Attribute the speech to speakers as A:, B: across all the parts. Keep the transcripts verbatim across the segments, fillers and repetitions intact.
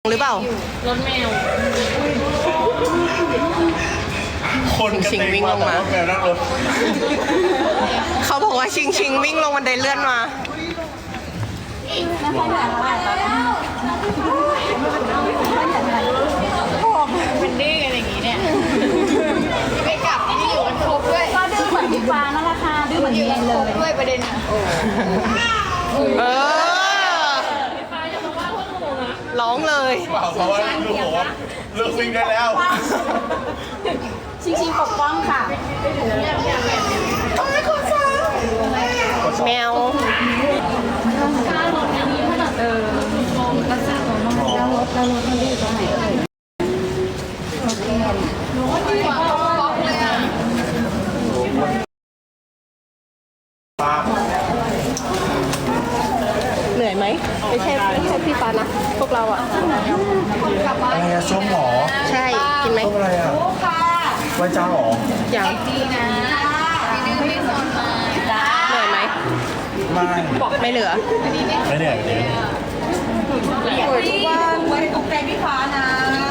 A: หรือเปล่าร
B: ถแมว
A: คนชิงวิ่งลงมาเขาบอกว่าชิงชิงวิ่งลงบันไดเลื่อนมา
B: เป็นดื้อกันอย่างนี้เนี่ยไม่กลับที่อยู่กันครบด้วย
C: ก็ดื้อเหมือนพี่ฟ้านั่นแหละค่ะดื้อเหมือนเมียเลย
B: ด้วยประเด็นอ่ะ
A: เออร้องเลย
D: เปล่าเพราะว่าลูกบอกว่าเลิกวิ่งได้แล้ว
C: ชิงชิงปกป้องค่ะ
A: แมว
C: เออรักษาของน้องแล้วรถแล้วรถมันดื้อตรงไหนเอ่ย
A: เหนื่อยไหมไม่ใช่ไม่ใช่พี่ปานะพวกเราอะ
D: อะไรอะส้มหรอ
A: ใช่กินไหม
D: ส้มอะไรอะไว้จ้าหรอ
A: อย่าง
B: ดีนะพี่ดื้อไม่สนมา
A: เหนื่อยไหม
D: ไม่
A: ไม่เหลือ
D: ไม่เหนื่อยเลย
C: สวยทุกวันไว้ตกใจพี่ฟ้านะ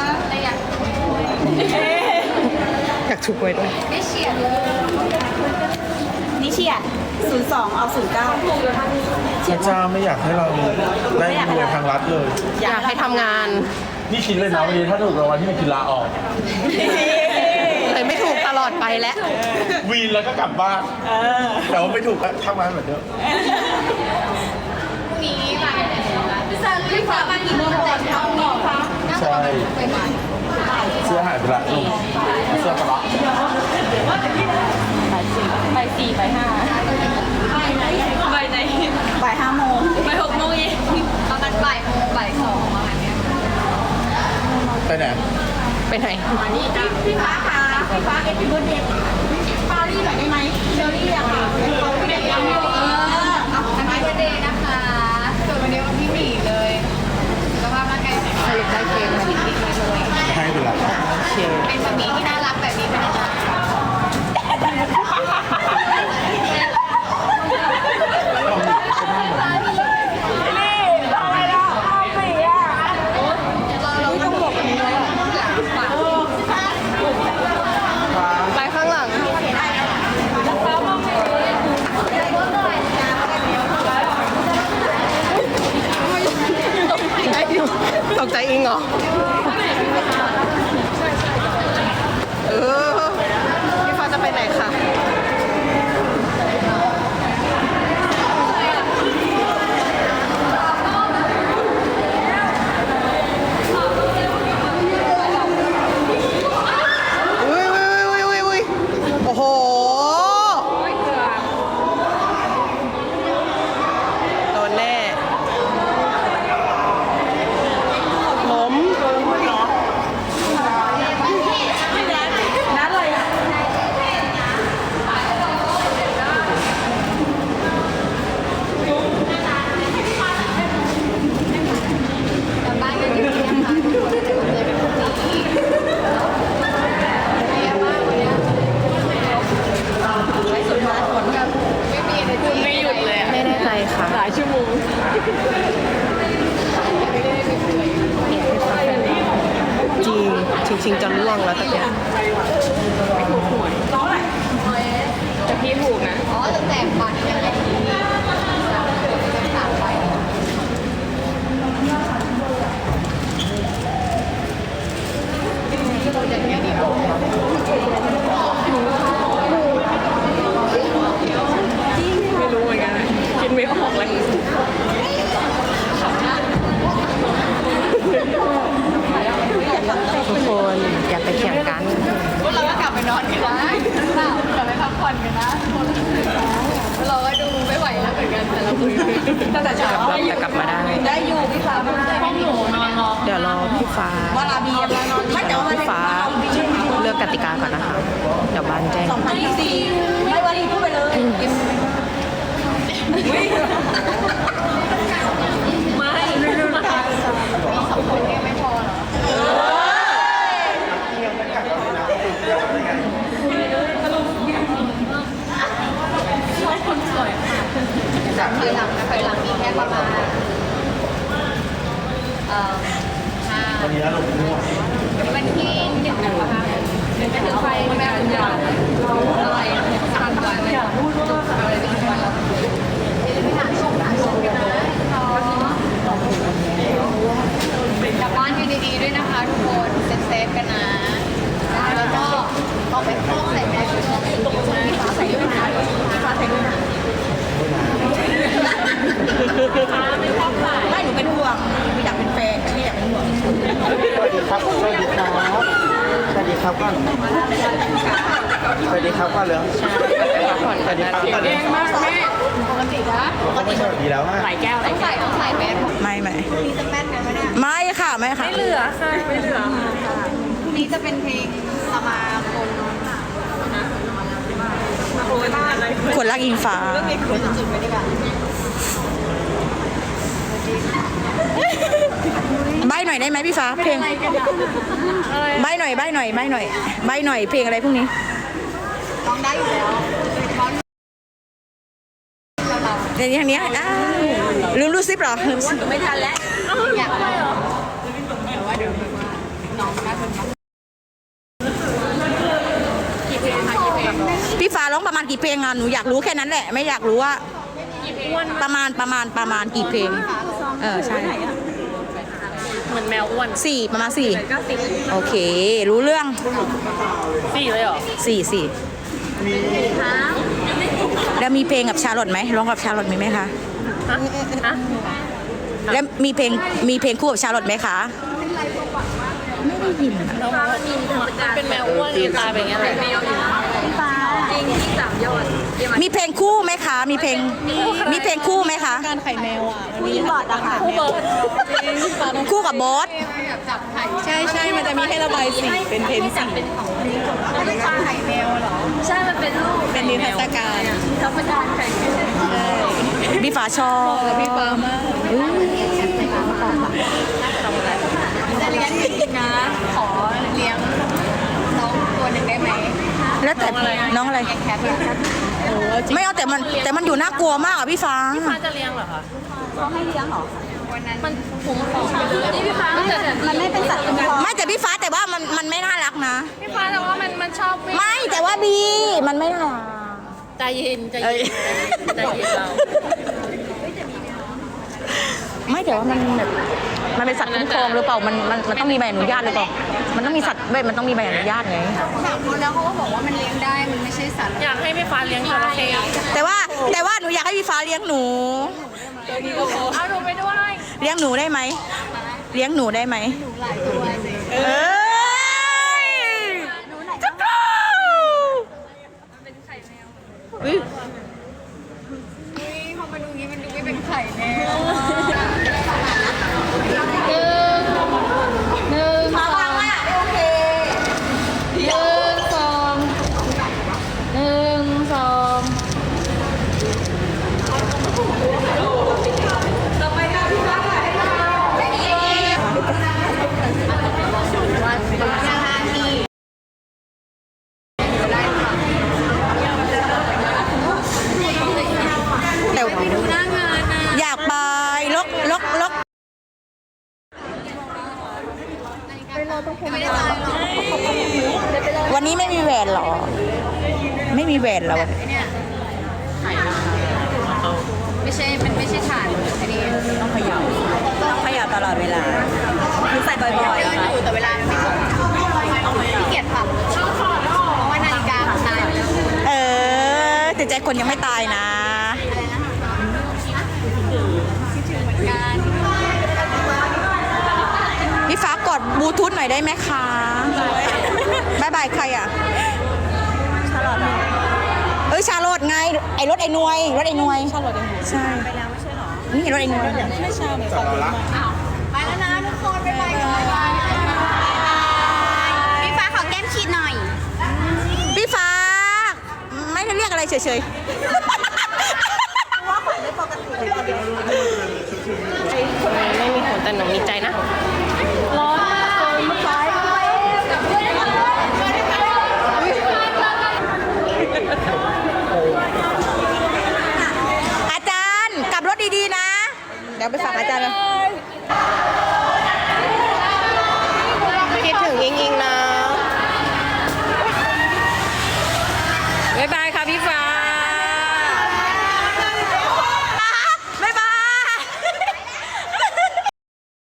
A: อยากถูกไว้ด้วย
B: ไม่เฉียดเลย
C: นี่เฉียดศูนย์สองเอาศูนย์เก้า
D: พระเจ้าไม่อยากให้เราได้รวยทางรัฐเลย
A: อยากให้ทำงาน
D: นี่คิดเลยนะวันนี้ถ้าถูกรางวัลที่หนึ่งคือลาออก
A: เลยไม่ถูกตลอดไปแล้ว
D: วีนแล้วก็กลับบ้านแต่ว่าไม่ถูกก็ทำงานเหมือนเดิม
B: พรุ่งนี้มาพี่ซันพี่ฟ้ามากี่โมงแต่เช้านี้คะ
D: ใช่เสื้อหายไปละลูกเสื้อกระบะ
C: ใบสี่ใบห้าใบไหนใบห้าโมง
B: ใบหกโมงเย็นประมาณบ่ายโมงบ่ายสองประมาณนี้
D: ไปไหน
A: ไปไหน
C: นี่พี่ฟ้าค่ะพี่ฟ้าเอ็ดพี่เบิร์ดเดย์ปารี่หน่อยได้ไหมเชอรี่อะค่ะเขาไม่ได้ยังอยู่เออ
B: เอาแฮปปี้เบิร์ธเดย์นะคะส่วนวันนี้วันที่หนีเลยสภาพร่างกายแข็งแรงได้เค้กมาดิบๆเลย
D: ให้ไปละ
B: เป็นสามีที่น่ารักแบบนี้เป็นยังไง
A: ไปข้างหลังตกใจอิงเหรอเออพี่ฟ้าจะไปไหนคะโอ้โหโดนแน่ล้ม
C: นั่นเลยอะ
B: กลับบ้านกันดีๆนะคะทุกคนจะเจอกันพรุ่งนี้เยอะมากเลยอะไม่สุดท้ายผลแบบไม่มีอะไรคุณไม่หยุดเลย
A: ไม่แน่ใจค่ะ
B: หลายชั่วโมงไม่ได้ไม่เฉย
A: จริงชิงชิงจะล่วงแล้วตะเกียบ
B: แต่พี่ถูกนะอ๋อจะแตกบัตรยังไงดีสามใบอย่างเงี้ยดีกว่า
A: ไม่รู้เหมือนกันคิดไม่ออกเลยทุกคนอย่าไปเถียงกัน
B: พวกเราก็กลับไปนอนกันนะกลับไปพักผ่อนกันนะเราก็ดูไม่ไหวแล้วเหมือนกันแต่เราคุยตั้งแต่เช้า
A: จะกลับมาได้
C: ได้อยู่พี่ฟ้าไม่ได้ห้องหนูนอนรอ
A: เดี๋ยวรอพี่ฟ้า
C: ว่าลาบีอะไรนอนไม่แต่ว่า
A: พี่ฟ้าเลือกกติกาก่อนนะคะเดี๋ยวบ้านแจ้ง
C: สองพันยี่สิบสี่ไม่ว่าดีพูดไปเลย
B: ไม่สองคนนี้ไม่พอหรอคนสวยค่ะเคยหลังนะเคยหลังมีแค่ประมาณเอ่อห้า
D: วันนี้ลงมั่ว
B: วันที่หนึ่งนะคะเป็นไปถึงไฟแม่คุณยายอะไรสามวันเลยอะไรเป็นวันเราไปหาชมหาชมกันนะกลับบ้านกันดีๆด้วยนะคะทุกคนเซฟๆกันนะแล้วก็เอาไปคล้องใส่แมสด้วยตรงนี้ฟ้าใส่ด้วยนะฟ้าใส่ด้วยนะ
C: ไม่หนูเป็นห่วงไม่อยากเป็นแฟนไม่อยากเป็นห่วง
D: สวัสดีครับสวัสดีครับสวัสดีครับก่อนสวัสดีครับก่อนเลยสวัสดีครับก่อนเลย
B: มากแม่ปกตินะ
D: เขาไม่สวัสดีแล้วฮะ
B: ใส่แก้วต้องใส่ต้องใส่แมส
C: ไม่ไม่
B: มีจะแมสกันไหมเนี่ย
C: ไม่ค่ะไม่ค่ะ
B: ไม่เหลือค่ะไม่เหลือพรุ่งนี้จะเป็นเพลงสมาคม
C: คนรักอิงฟ้า
B: จุดไปดีกว่า
C: ใบหน่อยได้ไหมพี่ฟ้าเพลงใบหน่อยใบหน่อยใบหน่อยใบหน่อยเพลงอะไรพวกนี้
B: ร้องได้อยู่แล้วร้อง
C: เดี๋ยวนี้ทางนี้อ้าวลืมรูดซิปเหรอ
B: ไม่ทันแล้วอยากได้เหรอแต่ว่าเดี๋ยวน้องน่าจะกี่เพลงคะกี่เพลง
C: พี่ฟ้าร้องประมาณกี่เพลงอ่ะหนูอยากรู้แค่นั้นแหละไม่อยากรู้ว่าประมาณประมาณประมาณกี่เพลงเออใช่
A: เหมือนแมวอ้วน
C: สี่ประมาณสี่โอเค รู้เรื่อง
A: สี่เลยเหรอ
C: สี่สี่แล้วมีเพลงกับชาลอตไหมร้องกับชาลอตมีไหมคะ
A: ฮะฮะ
C: แล้วมีเพลงมีเพลงคู่กับชาลอตไหมคะไม่ได้ยินอะ
A: เป็นแมวอ้วนที่ตายไปอย่างเงี้ยแหละ
B: จริงที่สามยอด
C: มีเพลงคู่ไหมคะ มีเพลงมีเพลงคู่ไหมคะ
A: การไข่แมวอ่ะ
C: มีบอดอะค่ะ
A: คู่เบิร์ด
C: คู่กับบอส
B: แบบจับไข่
A: ใช่ใช่มันจะมีให้ระบายสีเป็นเพนสี
B: ไม่ได้จับไข่แมวเหรอใช่มันเป็นรูป
A: เป็นนิทรรศการ
B: ธรรมดาไข่แมว
C: พี่ฟ้าชอบ
A: กับพี่ฟ้ามาก
B: จะเลี้ยงจริงๆนะขอเลี้ยงน้องตัวหนึ่งได้ไหม
C: แล้วแต่น้องอะไร
B: แคทเนี่ย
A: โอ้จริง
C: ไม่เอาแต่มันแต่มันอยู่น่ากลัวมากอ่ะพี่ฟ้า
A: ฟ้าจะเลี้ยงเหรอคะ
B: วันนั้นมันผมของไปเลยนี่พี่ฟ้ามันไม่เป็นสัตว์คุ้มครอง
C: ไม่แต่พี่ฟ้าแต่ว่ามันมันไม่น่ารักนะ
A: พี่ฟ้าแต่ว่ามันมันชอบวิ่ง
C: ไม่แต่ว่าบีมันไม่น่ารัก
A: ใจเย็นใจเย็นใจเย็นเรา
C: ไม่แต่ว่ามันแบบมันเป็นสัตว์คุ้มครองหรือเปล่ามันมันมันต้องมีใบอนุญาตหรือเปล่ามันต้องมีสัตว์เว้ยมันต้องมีใบอนุญาตไง
B: ถามเขาแล้วเขาก็บอกว่ามันเลี้ยงได้มันไม่ใช่สัตว์
A: อยากให้พี่ฟ้าเลี้ยงจระเข้
C: แต่ว่าแต่ว่าหนูอยากให้พี่ฟ้าเลี้ยงหนู
A: เอาหนูไปด้วย
C: เลี้ยงหนูได้ไหมเลี้ยงหนูได้ไหม
B: หลายตัวสิ
C: เอ้ยจักรวาลอุ๊ย
B: พอมาดูงี้มันดูไม่เป็นไข่แน่หนึ่งสองหนึ่งสองหนึ่งสองหนึ่งสองต่อไปค่ะพี่ฟ้าถ่ายให้เราวันนาทีได้ค่ะ
C: แต่
B: ไปดูหน้างานนะ
C: อยากไปลกลกลก
B: ไม่ได้ตายหรอก
C: วันนี้ไม่มีแหวนเหรอ ไม่มีแหวนเหรอ
B: ไอ้เนี่ยไม่ใช่ มันไม่ใช่ถ่านอันนี้
C: ต้องเขย่าต้องเขย่าตลอดเวลาคือใส่บ่อย
B: เดินอยู่แต่เวลามันไม่ครบขี้เกียจปรับเพราะว่านาฬิกามันตายไปแล้ว
C: ๆเออแต่ใจคนยังไม่ตายนะ
B: การ
C: พี่ฟ้ากดบลูทูธหน่อยได้ไหมคะบายบายใครอ่ะ ชาลอตเอ้ยชาลอตไง ไอรถไอหนวย รถไอหนวย ชาลอตใช่ไปแล้วไม่ใช่หรอ นี่รถไอหนวย
A: ไม่ใช่เหมือน
D: ส
A: กั
D: อน งละ
B: ไปแล้วนะทุกคนบ๊ายบายก่อนพี่ฟ้าขอแก้มฉีดหน่อย
C: พี่ฟ้า ไม่ได้เรียกอะไรเฉยๆ
A: ไม่มีผลแต่หนูมีใจนะ ร้อน
C: อาจารย์กลับรถดีๆนะ เดี๋ยวไปฝากอาจารย์เลย
A: อิงอิงนะ
C: บ๊ายบายค่ะพี่ฟ้า